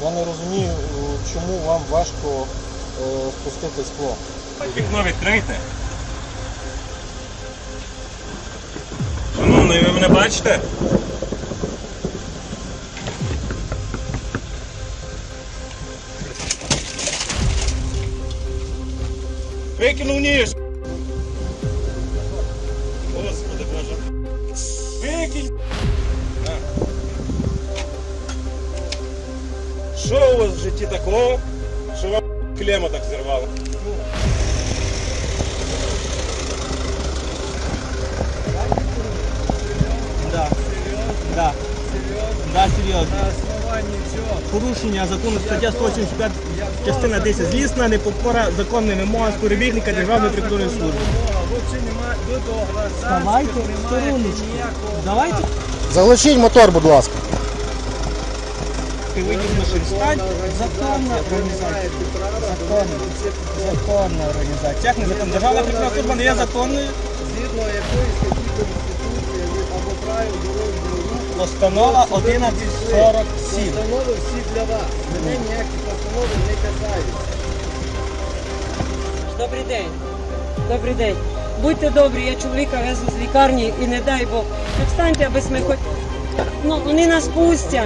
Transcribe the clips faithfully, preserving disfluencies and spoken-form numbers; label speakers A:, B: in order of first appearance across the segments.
A: Я не розумію, чому вам важко е, спустити скло.
B: Вікно відкрийте. Шановний, ви мене бачите? Викинув ніж! Господи Боже! Викинь! Що у вас в житті такого, що вам клема так зірвало?
C: Да. Да. Да, серйозно. Порушення закону стаття сто сімдесят п'ять, частина десять. Злісна непокора законним вимогам співробітника Державної прикордонної служби. Давайте в стороночку. Давайте.
A: Заглушіть мотор, будь ласка.
C: Ти вийдеш на шерстань. Законна організація. Законна. Законна організація. Як не законна? Державна прикордонна служба не є законною?
D: Згідно якої статті Конституції або правил дорожнього руху.
C: Постанова одинадцять сорок сім.
D: Постанови всі для вас. Мене ніякі постанови не касаються.
E: Добрий день. Добрий день. Будьте добрі, я чоловіка везу з лікарні і не дай Бог. Так встаньте, аби ми хоч... Ну, вони нас пустять.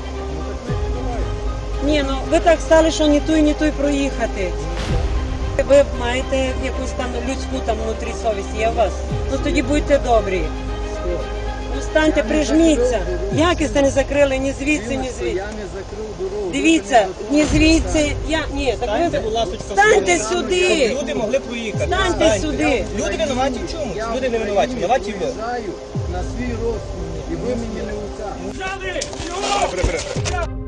E: Ні, ну ви так стали, що ні той, ні той проїхати. Ви маєте якусь там людську там внутрі совість, є у вас? Ну тоді будьте добрі. Ну станьте, прижміться. Якість не закрили ні звідси, ні звідси.
D: Я не закрив дорогу.
E: Дивіться, ні звідси, я, ні, так
C: Станьте, будь
E: ви,
C: ласка,
E: станьте
C: щоб
E: сюди,
C: люди могли проїхати.
E: станьте сюди.
C: Люди винуваті в чому?
D: Я
C: Люди не винуваті. Винуваті ви.
D: приїжджаю на свій розсуд, і ви мені не уця.
B: Прибери, прибери.